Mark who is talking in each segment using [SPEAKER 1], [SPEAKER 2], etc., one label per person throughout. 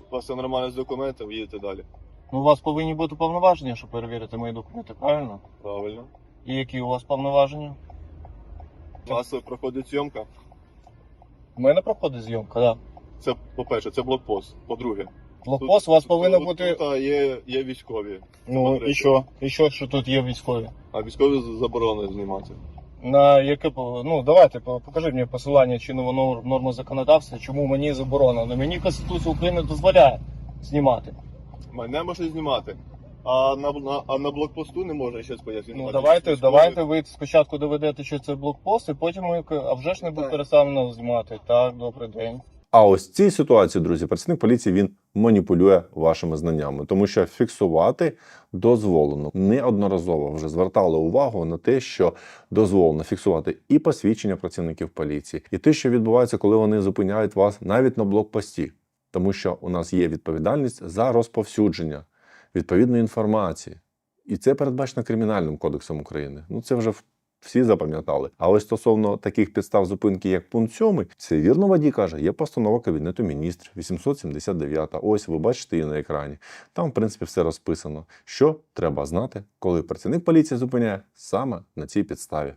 [SPEAKER 1] у вас все нормально з документами, їдете далі.
[SPEAKER 2] Ну, у вас повинні бути повноваження, щоб перевірити мої документи, правильно?
[SPEAKER 1] Правильно.
[SPEAKER 2] І які у вас повноваження?
[SPEAKER 1] У вас проходить зйомка.
[SPEAKER 2] У мене проходить зйомка, так.
[SPEAKER 1] Це, по-перше, це блокпост. По-друге,
[SPEAKER 2] Блокпост у вас повинен бути.
[SPEAKER 1] Тут є військові.
[SPEAKER 2] Ну і що? І що тут є військові?
[SPEAKER 1] А військові заборонено знімати.
[SPEAKER 2] На яке ну давайте покажіть мені посилання чинного норму законодавства, чому мені заборонено. Мені Конституція України дозволяє знімати.
[SPEAKER 1] Мене можна знімати. А на блокпосту не можна щось пояснити.
[SPEAKER 2] Ну давайте ви спочатку доведете, що це блокпост, і потім ми, а вже ж не буде переставлено знімати. Так, добрий день.
[SPEAKER 3] А ось в цій ситуації, друзі, працівник поліції, він маніпулює вашими знаннями, тому що фіксувати дозволено. Неодноразово вже звертали увагу на те, що дозволено фіксувати і посвідчення працівників поліції, і те, що відбувається, коли вони зупиняють вас навіть на блокпості. Тому що у нас є відповідальність за розповсюдження відповідної інформації. І це передбачено Кримінальним кодексом України. Ну це вже всі запам'ятали. А ось стосовно таких підстав зупинки, як пункт 7, це вірно водій каже, є постанова Кабінету міністрів 879. Ось ви бачите її на екрані. Там, в принципі, все розписано. Що треба знати, коли працівник поліції зупиняє саме на цій підставі.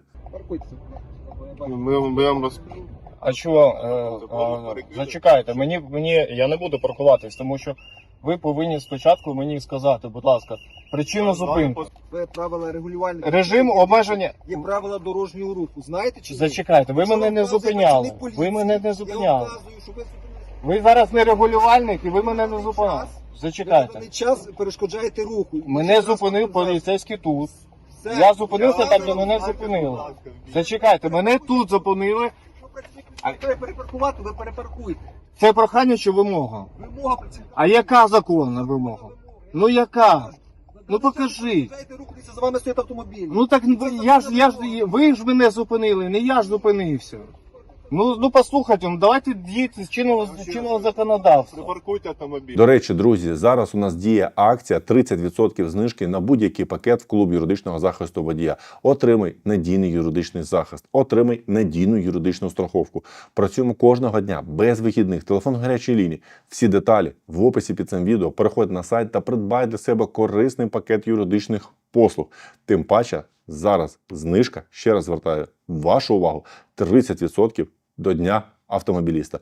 [SPEAKER 1] Ми вам розповімо.
[SPEAKER 2] А чого? Зачекайте, я не буду паркуватись, тому що ви повинні спочатку мені сказати, будь ласка, причину зупинки.
[SPEAKER 4] Це правила регулювального.
[SPEAKER 2] Режим обмеження.
[SPEAKER 4] Є правила дорожнього руху. Знаєте чи ні?
[SPEAKER 2] Зачекайте, ви
[SPEAKER 4] Якщо
[SPEAKER 2] мене не
[SPEAKER 4] вказує
[SPEAKER 2] зупиняли.
[SPEAKER 4] працівник поліції,
[SPEAKER 2] Ви мене не
[SPEAKER 4] Я
[SPEAKER 2] зупиняли.
[SPEAKER 4] вказую, що ви
[SPEAKER 2] Ви зараз не регулювальник і ви мене не зупиняли. Зачекайте.
[SPEAKER 4] даний час перешкоджаєте руху.
[SPEAKER 2] Мене зупинив поліцейський тут.
[SPEAKER 4] Все.
[SPEAKER 2] Я зупинився там, де мене зупинили. Зачекайте, мене тут зупинили.
[SPEAKER 4] Якщо працівник треба перепаркувати, ви перепаркуйте.
[SPEAKER 2] Це прохання чи вимога?
[SPEAKER 4] Вимога працівника.
[SPEAKER 2] А яка законна вимога? Ну яка? Ну покажіть.
[SPEAKER 4] Перешкоджаєте руху, дивіться, за вами стоїть автомобіль.
[SPEAKER 2] Ну так ви ж мене зупинили, не я ж зупинився. Ну послухайте, ну давайте діяти з чинного законодавства.
[SPEAKER 1] Припаркуйте автомобіль.
[SPEAKER 3] До речі, друзі, зараз у нас діє акція 30% знижки на будь-який пакет в клуб юридичного захисту водія. Отримай надійний юридичний захист, отримай надійну юридичну страховку. Працюємо кожного дня, без вихідних, телефон гарячої лінії. Всі деталі в описі під цим відео. Переходь на сайт та придбай для себе корисний пакет юридичних послуг. Тим паче, зараз знижка, ще раз звертаю вашу увагу, 30% до Дня автомобіліста.